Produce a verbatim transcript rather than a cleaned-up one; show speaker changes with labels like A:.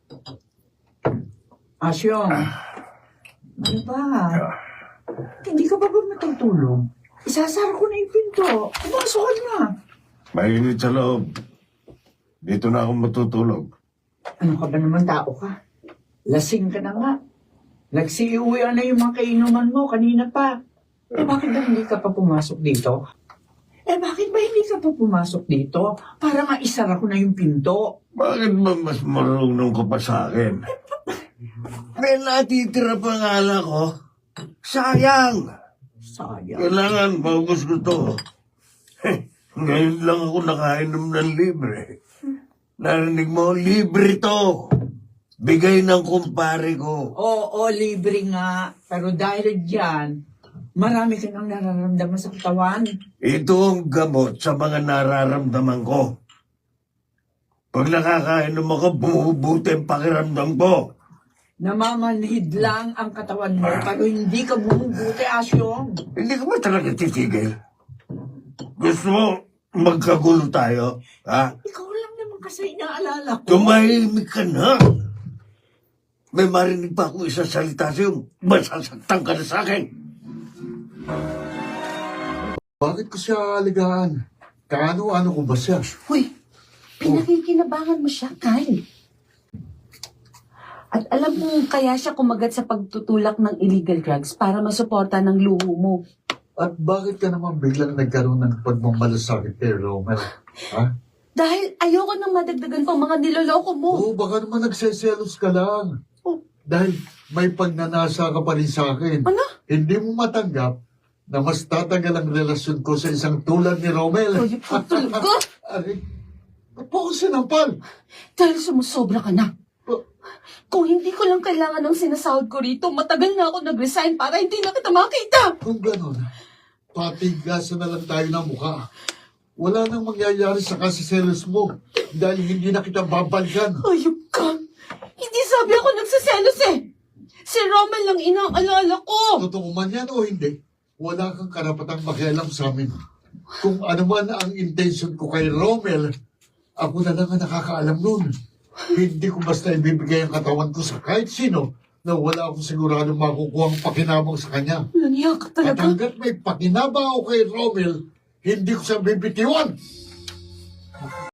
A: Asyong, ano ba? Hindi ka ba ba matutulog? Isasara ko na yung pinto. Pumasok ka na.
B: Mainit sa loob. Dito na ako matutulog.
A: Ano ka ba naman tao ka? Lasing ka na nga. Nagsiuwian na yung mga kainuman mo kanina pa. Eh bakit ba hindi ka pa pumasok dito? Eh bakit ba hindi ka pa pumasok dito? Para maisara ko na yung pinto.
B: Bakit ba mas marunong ka pa sa akin? May natitira pa nga lang ko. Sayang!
A: Sayang.
B: Kailangan maubos ko to. Heh, ngayon lang ako nakainom ng libre. Narinig mo, libre to. Bigay ng kumpare ko.
A: Oo, libre nga. Pero dahil dyan, marami ka nang nararamdaman sa katawan.
B: Ito ang gamot sa mga nararamdaman ko. Pag nakakainom ako, bumubuti ang pakiramdam ko.
A: Namamanhid lang ang katawan mo, pero hindi ka bumubuti, Asyong.
B: Hindi ka ba talaga titigil? Gusto mo magkagulo tayo? Ha?
A: Ikaw lang naman kasi inaalala ko.
B: Tumahimik ka na. May marinig pa akong isang salita sa'yo. Masasaktan ka na sa akin.
C: Bakit ko siya aligahan? Kaano-ano ko ba siya?
D: Hoy, pinakikinabangan mo siya, Kyle. At alam mo kaya siya kumagat sa pagtutulak ng illegal drugs para masuporta ng luho mo.
C: At bakit ka naman biglang nagkaroon ng pagmamalasakit kay Romel? Ha?
D: Dahil ayoko nang madagdagan pang mga niloloko mo.
C: Oo, baka naman nagseselos ka lang.
D: Oh.
C: Dahil may pagnanasa ka pa rin sa akin.
D: Ano?
C: Hindi mo matanggap na mas tatagal ang relasyon ko sa isang tulad ni Romel.
D: Hoy, ito talaga.
C: Aray, ba't po ako sinampal?
D: Dahil sumusobra ka na.
C: Ba-
D: Kung hindi ko lang kailangan ng sinasahod ko rito, matagal na ako nag-resign para hindi na kita makita.
C: Kung gano'n, patigasan na lang tayo ng mukha. Wala nang mangyayari sa kasiselos mo dahil hindi na kita babalikan.
D: Ayop ka. Hindi sabi ako nagsaselos eh. Si Romel lang inaalala ko.
C: Totoo man yan o hindi, wala kang karapatang makialam sa amin. Kung ano man ang intention ko kay Romel, ako na lang ang nakakaalam nun. Hindi ko basta ibibigay ang katawan ko sa kahit sino na wala akong sigurado makukuha ang pakinabang sa kanya.
D: Laniya ka
C: At
D: talaga.
C: hanggat may pakinabang ako kay Romel, hindi ko siya bibitiwan.